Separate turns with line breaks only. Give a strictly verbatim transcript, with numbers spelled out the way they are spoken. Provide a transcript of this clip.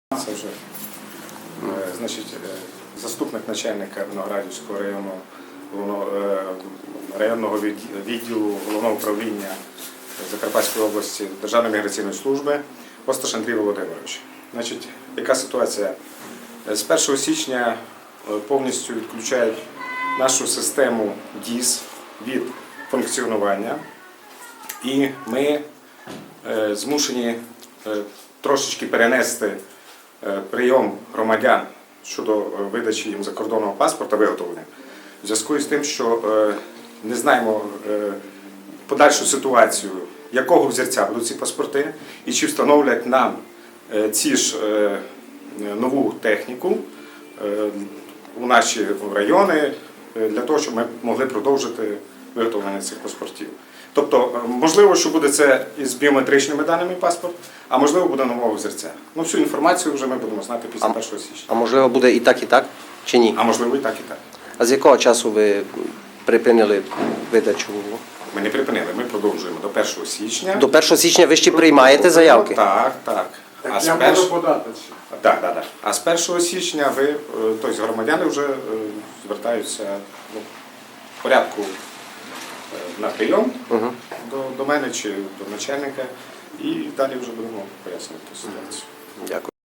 Це вже е, значить, е, заступник начальника Виноградівського району, головного, е, районного відді- відділу головного управління Закарпатської області Державної міграційної служби Осташ Андрій Володимирович. Значить, яка ситуація? Е, З першого січня е, повністю відключають нашу систему ДІС від функціонування, і ми е, змушені е, трошечки перенести е, прийом громадян щодо е, видачі їм закордонного паспорта, виготовлення, в зв'язку з тим, що е, не знаємо е, подальшу ситуацію, якого взірця будуть ці паспорти, і чи встановлять нам е, ці ж е, нову техніку е, у наші райони, е, для того, щоб ми могли продовжити виготовлення цих паспортів. Тобто, можливо, що буде це із біометричними даними паспорт, а можливо буде нового взірця. Ну, всю інформацію вже ми будемо знати після першого січня.
А можливо буде і так, і так, чи ні?
А можливо і так, і так.
А з якого часу ви припинили видачу?
Ми не припинили, ми продовжуємо до першого січня.
До першого січня ви ще приймаєте заявки?
Так, так. А з
Я
перш-
можу подати ще.
Так, так, так. А з першого січня ви, е, тобто громадяни вже е, звертаються ну, в порядку е, на прийом
Угу.
до, до мене чи до начальника, і далі вже будемо пояснювати ситуацію.
Дякую.